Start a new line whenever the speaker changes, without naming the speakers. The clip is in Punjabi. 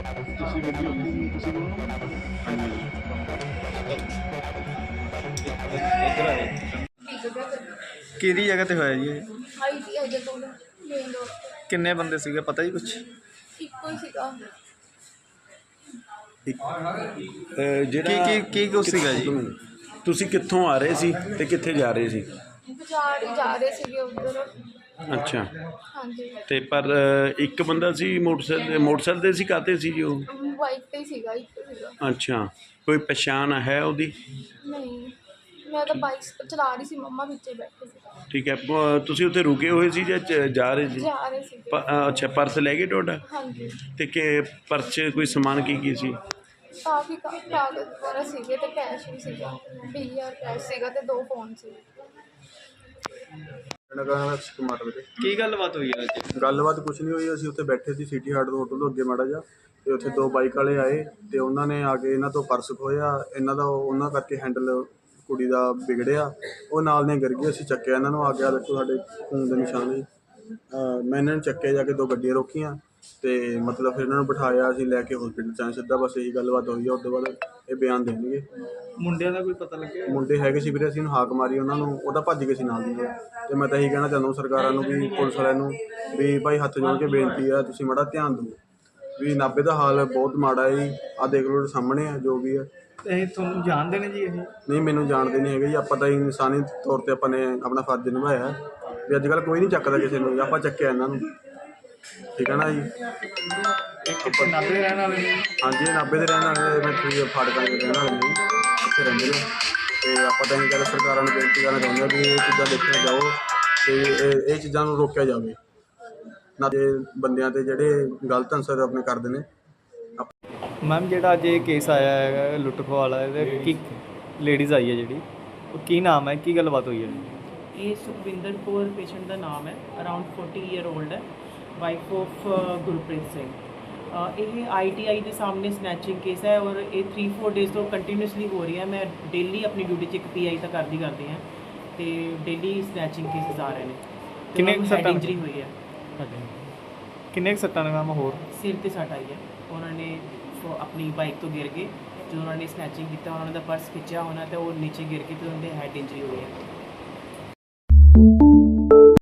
ਤੁਸੀਂ ਵੀਡੀਓ ਤੁਸੀਂ ਬੋਲੋ।
ਕਿਹੜੀ ਜਗ੍ਹਾ ਤੇ ਹੋਇਆ ਜੀ ਇਹ?
ITI ਦੇ ਕੋਲ ਮੇਨ ਰੋਡ
ਕਿੰਨੇ ਬੰਦੇ ਸੀਗੇ ਪਤਾ ਜੀ ਕੁਛ?
ਤੇ ਇੱਕੋ ਹੀ ਸੀਗਾ।
ਜਿਹੜਾ
ਕੀ ਕੁਛ ਸੀਗਾ ਜੀ?
ਤੁਸੀਂ ਕਿੱਥੋਂ ਆ ਰਹੇ ਸੀ ਤੇ ਕਿੱਥੇ ਜਾ ਰਹੇ ਸੀ?
ਬਾਜ਼ਾਰ ਹੀ ਜਾ ਰਹੇ ਸੀਗੇ ਉੱਧਰ।
ਅੱਛਾ,
ਹਾਂਜੀ
ਤੇ ਪਰ ਇੱਕ ਬੰਦਾ ਸੀ ਮੋਟਰਸਾਈਕਲ ਤੇ ਸੀ, ਕਾਹਤੇ ਸੀ ਜੀ ਉਹ?
ਬਾਈਕ ਤੇ ਹੀ ਸੀਗਾ, ਇੱਕ ਸੀਗਾ।
ਅੱਛਾ, ਕੋਈ ਪਛਾਣ ਹੈ ਉਹਦੀ?
ਨਹੀਂ, ਮੈਂ ਤਾਂ ਬਾਈਕ ਚਲਾ ਰਹੀ ਸੀ, ਮੰਮਾ ਵਿੱਚੇ ਬੈਠੇ ਸੀ।
ਠੀਕ ਹੈ, ਤੁਸੀਂ ਉੱਥੇ ਰੁਕੇ ਹੋਏ ਸੀ ਜਾਂ ਜਾ ਰਹੇ ਸੀ?
ਜਾ ਰਹੇ ਸੀਗੇ।
ਅੱਛਾ, ਪਰਸ ਲੈ ਗਏ ਤੁਹਾਡਾ?
ਹਾਂਜੀ,
ਤੇ ਕਿ ਪਰਸ 'ਚ ਕੋਈ ਸਮਾਨ ਕੀ ਸੀ?
ਕਾਫੀ ਕਾਗਜ਼ ਵਗੈਰਾ ਸੀਗੇ ਤੇ ਕੈਸ਼ ਵੀ ਸੀਗਾ। 20,000 ਕੈਸ਼ ਸੀਗਾ ਤੇ 2 ਫੋਨ ਸੀ।
ਕੀ ਗੱਲਬਾਤ ਹੋਈ ਹੈ ਅੱਜ?
ਗੱਲਬਾਤ ਕੁਛ ਨਹੀਂ ਹੋਈ। ਅਸੀਂ ਉੱਥੇ ਬੈਠੇ ਸੀ ਸਿਟੀ ਹਾਰਟ ਹੋਟਲ ਤੋਂ ਅੱਗੇ ਮਾੜਾ ਜਿਹਾ, ਤੇ ਉੱਥੇ 2 ਬਾਈਕ ਵਾਲੇ ਆਏ ਤੇ ਉਹਨਾਂ ਨੇ ਆ ਕੇ ਇਹਨਾਂ ਤੋਂ ਪਰਸ ਖੋਹਿਆ। ਇਹਨਾਂ ਦਾ ਉਹਨਾਂ ਕਰਕੇ ਹੈਂਡਲ ਕੁੜੀ ਦਾ ਵਿਗੜਿਆ, ਉਹ ਨਾਲ ਨੇ ਗਿਰ ਗਏ। ਅਸੀਂ ਚੱਕਿਆ ਇਹਨਾਂ ਨੂੰ, ਆ ਗਿਆ ਦੇਖੋ ਸਾਡੇ ਖੂਨ ਦੇ ਨਿਸ਼ਾਨ ਜੀ। ਮੈਂ ਇਹਨਾਂ ਨੂੰ ਚੱਕਿਆ, ਜਾ ਕੇ 2 ਗੱਡੀਆਂ ਰੋਕੀਆਂ ਤੇ ਮਤਲਬ ਫਿਰ ਇਹਨਾਂ ਨੂੰ ਬਿਠਾਇਆ, ਅਸੀਂ ਲੈ ਕੇ ਹੌਸਪੀਟਲ 'ਚ ਆਏ ਸਿੱਧਾ। ਬਸ ਇਹੀ ਗੱਲਬਾਤ ਹੋਈ ਆ। ਉਸ ਤੋਂ ਬਾਅਦ ਇਹ ਬਿਆਨ ਦੇਣਗੇ।
ਮੁੰਡਿਆਂ ਦਾ ਕੋਈ ਪਤਾ ਲੱਗਿਆ?
ਮੁੰਡੇ ਹੈਗੇ ਸੀ ਵੀਰੇ, ਅਸੀਂ ਹਾਕ ਮਾਰੀ ਉਹਨਾਂ ਨੂੰ, ਉਹ ਤਾਂ ਭੱਜ ਗਏ ਸੀ ਨਾਲ ਦੀ। ਤੇ ਮੈਂ ਤਾਂ ਇਹੀ ਕਹਿਣਾ ਚਾਹੁੰਦਾ ਸਰਕਾਰਾਂ ਨੂੰ ਵੀ, ਪੁਲਿਸ ਵਾਲਿਆਂ ਨੂੰ ਵੀ ਭਾਈ ਹੱਥ ਜੋੜ ਕੇ ਬੇਨਤੀ ਆ, ਤੁਸੀਂ ਮਾੜਾ ਧਿਆਨ ਦਿਓ ਵੀ ਨਾਭੇ ਦਾ ਹਾਲ ਬਹੁਤ ਮਾੜਾ ਹੈ ਜੀ। ਆਹ ਦੇਖ ਲਓ ਸਾਹਮਣੇ ਆ ਜੋ ਵੀ ਹੈ।
ਇਹ ਤੁਹਾਨੂੰ ਜਾਣਦੇ ਨੇ ਜੀ ਇਹ?
ਨਹੀਂ, ਮੈਨੂੰ ਜਾਣਦੇ ਨਹੀਂ ਹੈਗੇ ਜੀ। ਆਪਾਂ ਤਾਂ ਇਨਸਾਨੀ ਤੌਰ 'ਤੇ ਆਪਾਂ ਨੇ ਆਪਣਾ ਫਰਜ਼ ਨਿਭਾਇਆ ਵੀ ਅੱਜ ਕੱਲ੍ਹ ਕੋਈ ਨਹੀਂ ਚੱਕਦਾ ਕਿਸੇ ਨੂੰ, ਆਪਾਂ ਚੱਕਿਆ ਇਹਨਾਂ ਨੂੰ। ਠੀਕ ਹੈ ਨਾ ਜੀ?
ਕਿੱਥੇ ਨਾਭੇ ਦੇ ਰਹਿਣ ਵਾਲੇ ਨੇ?
ਹਾਂਜੀ, ਇਹ ਨਾਭੇ ਦੇ ਰਹਿਣ ਵਾਲੇ, ਮੈਂ ਤੁਸੀਂ ਫਾਟਕਾਂ ਦੇ ਰਹਿਣ ਵਾਲੇ ਨੇ, ਇੱਥੇ ਰਹਿੰਦੇ ਨੇ। ਤੇ ਆਪਾਂ ਤਾਂ ਇਹ ਗੱਲ ਸਰਕਾਰਾਂ ਨੂੰ ਬੇਨਤੀ ਕਰਨਾ ਚਾਹੁੰਦੇ ਹਾਂ ਵੀ ਇਹ ਚੀਜ਼ਾਂ ਦੇਖੀਆਂ ਜਾਓ ਤੇ ਇਹ ਚੀਜ਼ਾਂ ਨੂੰ ਰੋਕਿਆ ਜਾਵੇ ਨਾ, ਤੇ ਬੰਦਿਆਂ 'ਤੇ ਜਿਹੜੇ ਗਲਤ ਅਨਸਰ ਆਪਣੇ ਕਰਦੇ ਨੇ।
ਮੈਮ ਜਿਹੜਾ ਅੱਜ ਇਹ ਕੇਸ ਆਇਆ ਹੈਗਾ ਲੁੱਟ ਖੋਹ ਵਾਲਾ, ਇਹਦੇ ਕੀ ਲੇਡੀਜ਼ ਆਈ ਹੈ ਜਿਹੜੀ, ਉਹ ਕੀ ਨਾਮ ਹੈ, ਕੀ ਗੱਲਬਾਤ ਹੋਈ ਹੈ?
ਇਹ ਸੁਖਵਿੰਦਰ ਕੌਰ ਪੇਸ਼ੈਂਟ ਦਾ ਨਾਮ ਹੈ, ਅਰਾਊਂਡ 40 ਈਅਰ ਓਲਡ ਹੈ, ਵਾਈਫ ਆਫ ਗੁਰਪ੍ਰੀਤ ਸਿੰਘ। ਇਹ ITI ਦੇ ਸਾਹਮਣੇ ਸਨੈਚਿੰਗ ਕੇਸ ਹੈ ਔਰ ਇਹ 3-4 ਡੇਜ਼ ਤੋਂ ਕੰਟੀਨਿਊਸਲੀ ਹੋ ਰਹੀ ਹੈ। ਮੈਂ ਡੇਲੀ ਆਪਣੀ ਡਿਊਟੀ 'ਚ ਇੱਕ PI ਤਾਂ ਕਰਦੀ ਹਾਂ ਅਤੇ ਡੇਲੀ ਸਨੈਚਿੰਗ ਕੇਸਿਸ ਆ ਰਹੇ ਨੇ।
ਕਿੰਨੇ ਸੱਟਾਂ
ਇੰਜਰੀ ਹੋਈ ਹੈ?
ਕਿੰਨੇ ਸੱਟਾਂ ਨੇ ਮੈਮ? ਹੋਰ
ਸਿਰ 'ਤੇ ਸੱਟ ਆਈ ਹੈ। ਉਹਨਾਂ ਨੇ ਆਪਣੀ ਬਾਈਕ ਤੋਂ ਗਿਰ ਕੇ ਜਦੋਂ ਉਹਨਾਂ ਨੇ ਸਨੈਚਿੰਗ ਕੀਤਾ, ਉਹਨਾਂ ਦਾ ਪਰਸ ਖਿੱਚਿਆ ਹੋਣਾ ਅਤੇ ਉਹ ਨੀਚੇ ਗਿਰ ਕੇ ਅਤੇ ਉਹਨਾਂ ਦੇ ਹੈਡ ਇੰਜਰੀ ਹੋਈ ਹੈ।